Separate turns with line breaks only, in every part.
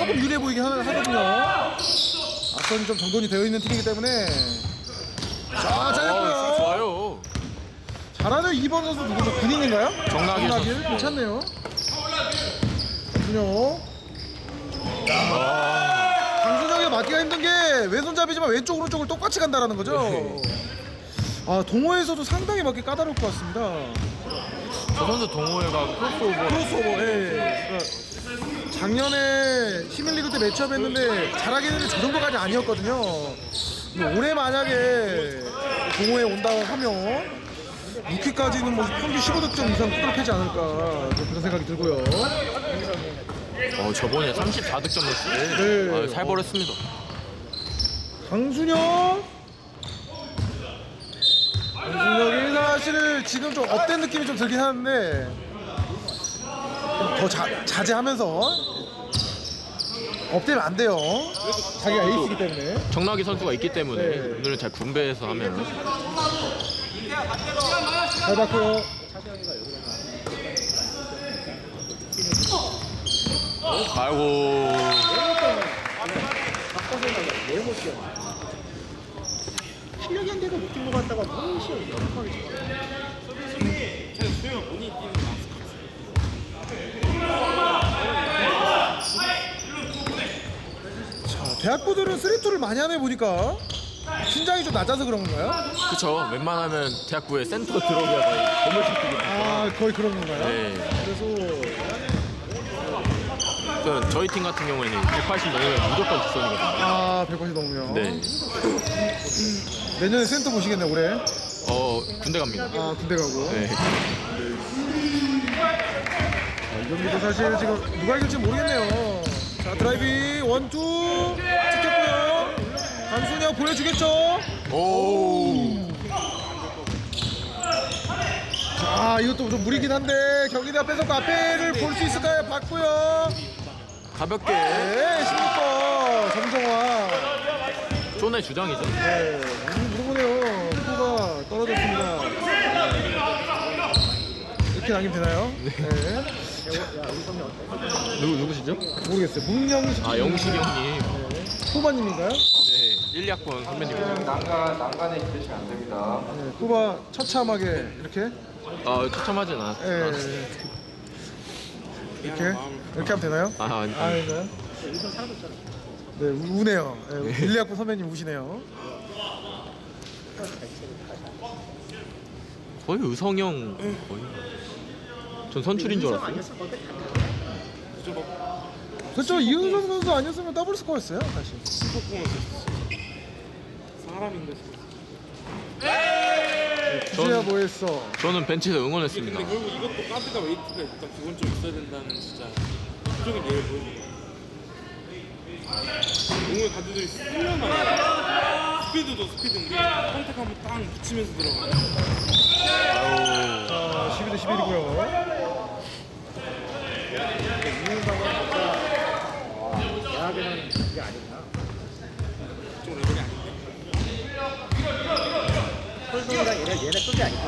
조금 유리해 보이긴 하거든요. 앞선이 좀 정돈이 되어 있는 팀이기 때문에. 자, 잘했고요.
좋아요.
잘하는 2번 선수 누구죠? 군인인가요?
정나길 선수.
괜찮네요. 강준혁. 강준혁이 맞기가 힘든 게 왼손잡이지만 왼쪽 오른쪽을 똑같이 간다라는 거죠. 아, 동호회에서도 상당히 맞기 까다로울 것 같습니다.
저 선수 동호회가
크로스오버. 예. 작년에 시민리그 때 매치업 했는데 잘하긴 했는데 저 정도까지 아니었거든요. 올해 만약에 동호회에 온다고 하면 루키까지는 뭐 평균 15득점 이상 뚜렷하지 않을까 그런 생각이 들고요.
저번에 34득점 냈을 때
네.
살벌했습니다.
강준혁이 사실 지금 좀 업된 느낌이 좀 들긴 하는데 더 자제하면서 업되면 안 돼요. 자기가 에이스이기 때문에.
정나기 선수가 있기 때문에
네.
오늘은 잘 분배해서 하면.
잘 봤고요.
아이고.
실력이 안 돼서 못 뛴 것 같다가 너무 시험 연습하게
대학부들은 3-2를 많이 하네 보니까 신장이 좀 낮아서 그런 건가요?
그쵸. 웬만하면 대학부에 센터 들어오기가 거의 건물식 뛰기.
아, 거의 그런 건가요?
네.
그래서
저희 팀 같은 경우에는 180 넘으면 무조건 뒷선이거든요.
아, 180 넘으면.
네.
내년에 센터 보시겠네 올해.
군대 갑니다.
아, 군대 가고.
네.
이 경기도 사실 지금 누가 이길지 모르겠네요. 자, 드라이빙 1-2 찍혔고요. 강순혁 보여주겠죠?
오.
자, 이것도 좀 무리긴 한데 경기대 앞에서 앞에를 볼 수 있을까요? 봤고요.
가볍게
네, 16번 정정화.
존의 주장이죠.
네, 물어보네요. 후가 떨어졌습니다. 이렇게 남기면 되나요? 네.
누구시죠?
모르겠어요. 문영식.
영식이 형님.
후바님인가요?
네. 1학번 선배님이죠.
난간에 기대시면 안 됩니다.
네, 후바 처참하게 이렇게.
추첨하진 않았어요.
네. 이렇게 하면 되나요?
아니.
아닌가요? 네, 우네요. 네, 1학번 선배님 우시네요.
거의 의성형 거의. 전 선출인 줄 알았어요.
그렇죠. 이은성 선수 아니었으면 더블 스코어였어요, 사실.
사람인데
구제야 뭐 했어?
저는 벤치에서 응원했습니다.
근데 결국 이것도 카드가 웨이트가 일단 기본적으로 있어야 된다는 진짜 표적인 예를 보여줍니다. 공을 가드들이 쓸려나요. 스피드도 스피드인데 컨택하면 땅 붙이면서 들어가요.
자, 12대 11이고요.
대학에는 그게 아니구나. 좀 레벨이 아닌데. 펄송이랑 얘네 급이 아니기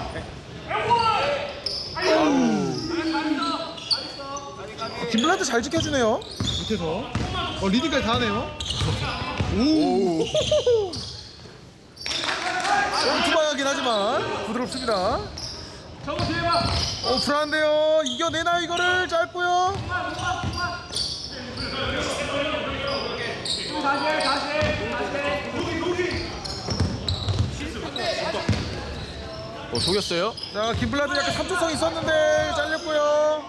때문에.
김블란트 잘 지켜주네요. 밑에서. 리딩까지 다 하네요. 오. 투바하긴 하지만 부드럽습니다. 불안한데요. 이겨내나 이거를 짧고요.
속였어요?
자, 김블란트 약간 3초성 있었는데 잘렸고요.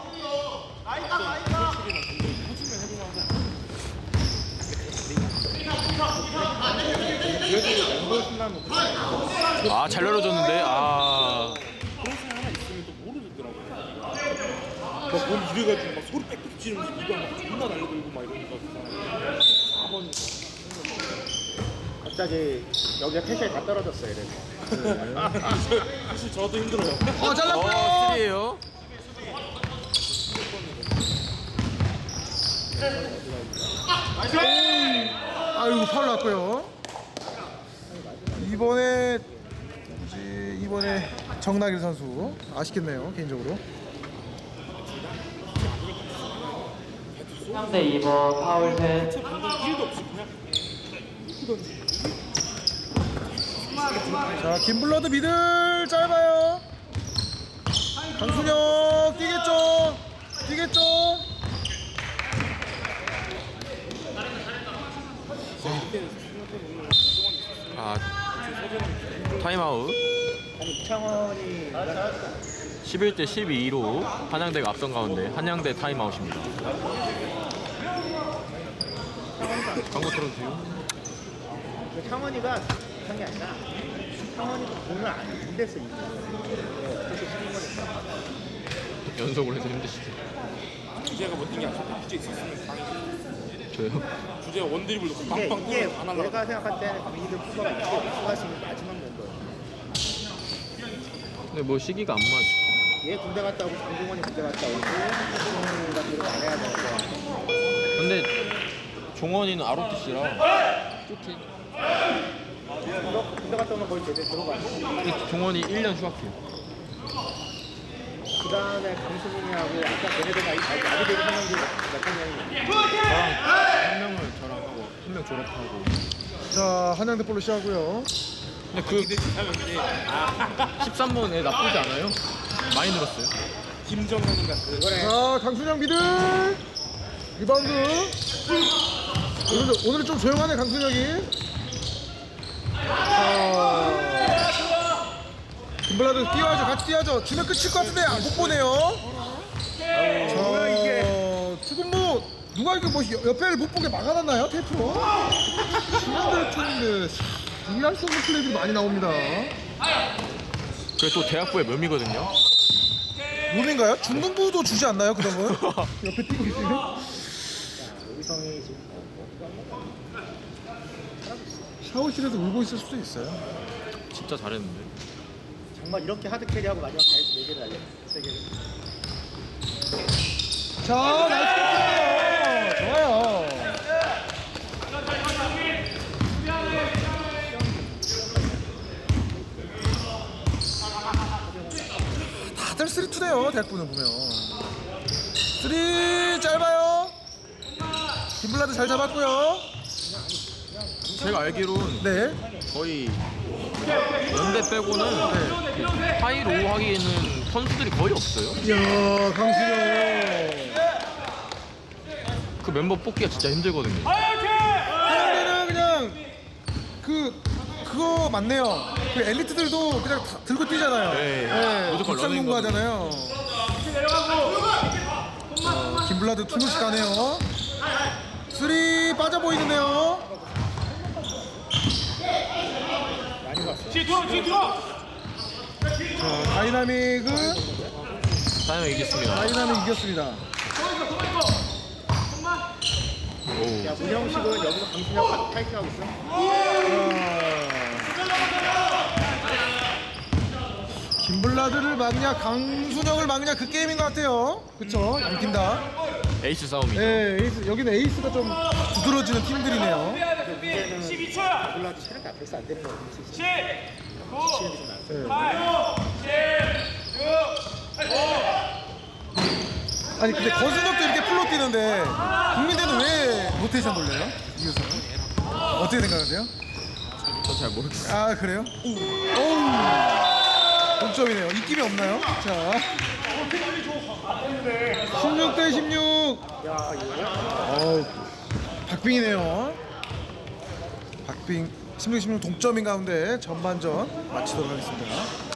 잘 열어줬는데
그런 사람 하나 있으면 또 모르겠더라고요. 막뭘 이래가지고 막 소리 빽빽 지르면서 이거 막 존나 날려들고 막 이러니까 그 사람이 4번이
갑자기 여기가 패션이 다 떨어졌어요. 이래서
사실 저도 힘들어요.
잘랐고요.
3이에요.
아이고, 파울 났고요. 이번에 정나길 선수 아쉽겠네요, 개인적으로.
3대 2번 파울 셋.
체 반동 1도 없이 그냥
자, 김블러드 미들 짧아요. 강순혁 뛰겠죠? 뛰겠죠?
아 타임아웃.
이창원이
11대 12로 한양대가 앞선 가운데 한양대 타임아웃입니다. 광고 틀어주세요.
창원이가 못한 게 아니라 창원이가 공을 안 댔어 이거. 그래서 쉬는 거니까.
연속으로 해서 힘드시죠?
주제가 뭔지 아시죠? 주제 있었으면 강의
저요?
주제가 원드립을 놓고
이게
빵빵 뚫어서 안 하려고.
내가 생각할 때는 강희들 후보가 있고 후보가 지금 마지막 멤버야.
근데 뭐 시기가 안 맞.
얘 군대 갔다 오고 장동원이 군대 갔다 오고 장동원이가 노력 안 해야 되니까.
근데 종원이는 ROTC라 좋지.
군대 갔다 오면 거의 제대로 들어가지.
근데 종원이 1년 휴학해요.
그 다음에 강수민이하고 아까 걔네들 나비대로 하는 몇번 년이
한 명을 저랑 하고 한 명 졸업하고.
자, 한양대 볼로 시작하고요.
근데 그 13번에 나쁘지 않아요? 많이 늘었어요.
김정현인 같은.
자, 강순혁 미들 리바운드. 오늘은 좀 조용하네, 강순혁이. 자, 김블라드 뛰어야죠. 같이 뛰어야죠. 주면 끝일 것 같은데 못 보네요. 자, 지금 뭐 누가 이거 뭐 옆에를 못 보게 막아놨나요, 테이프로? 지난달 팀인데 이해할 수 없는 플레이들이 많이 나옵니다.
그게 또 대학부의 묘미거든요.
몸인가요? 중등부도 주지 않나요, 그런 거? 옆에 뛰고 있으면?
여기성이 지금
샤워실에서 울고 있을 수도 있어요.
진짜 잘했는데.
정말 이렇게 하드 캐리하고 마지막 다이스 4개를 날려 3개를.
자, 나이스 캐치네요. 좋아요. 다들 3-2네요, 대학부는 보면. 3 짧아요. 김블라드 잘 잡았고요.
제가 알기로는
네.
거의 연대 빼고는 하이로 하기에는 선수들이 거의 없어요.
이야, 강수영.
그 멤버 뽑기가 진짜 힘들거든요.
한양대는 그냥 그거 맞네요. 그 엘리트들도 그냥 다 들고 뛰잖아요.
네, 무조건
국상농구
러닝
하잖아요. 김블라드 투구씩 가네요. 3 빠져 보이는데요. 자, 다이나믹은
다이나믹 이겼습니다.
다이나믹 이겼습니다.
오.
야 문형식은 여기서 강순혁 파이팅하고 있어.
김블라드를 막냐 강순혁을 막냐 그 게임인 것 같아요. 그쵸? 양팀 다.
에이스 싸움이죠.
네, 에이스, 여기는 에이스가 좀 두드러지는 팀들이네요.
근데 문제는 12초야. 몰라도 체력이 앞에서 안 되는 거 같아. 10.
아니 근데 거순혁도 이렇게 풀로 뛰는데 국민대는 왜 로테이션 돌려요? 이효선 어떻게 생각하세요?
저 잘 모르겠어요.
아 그래요? 오우 동점이네요. 입김이 없나요? 자 16대 16.
야 이거
어우 박빙이네요. 박빙 16대 16 동점인 가운데 전반전 마치도록 하겠습니다.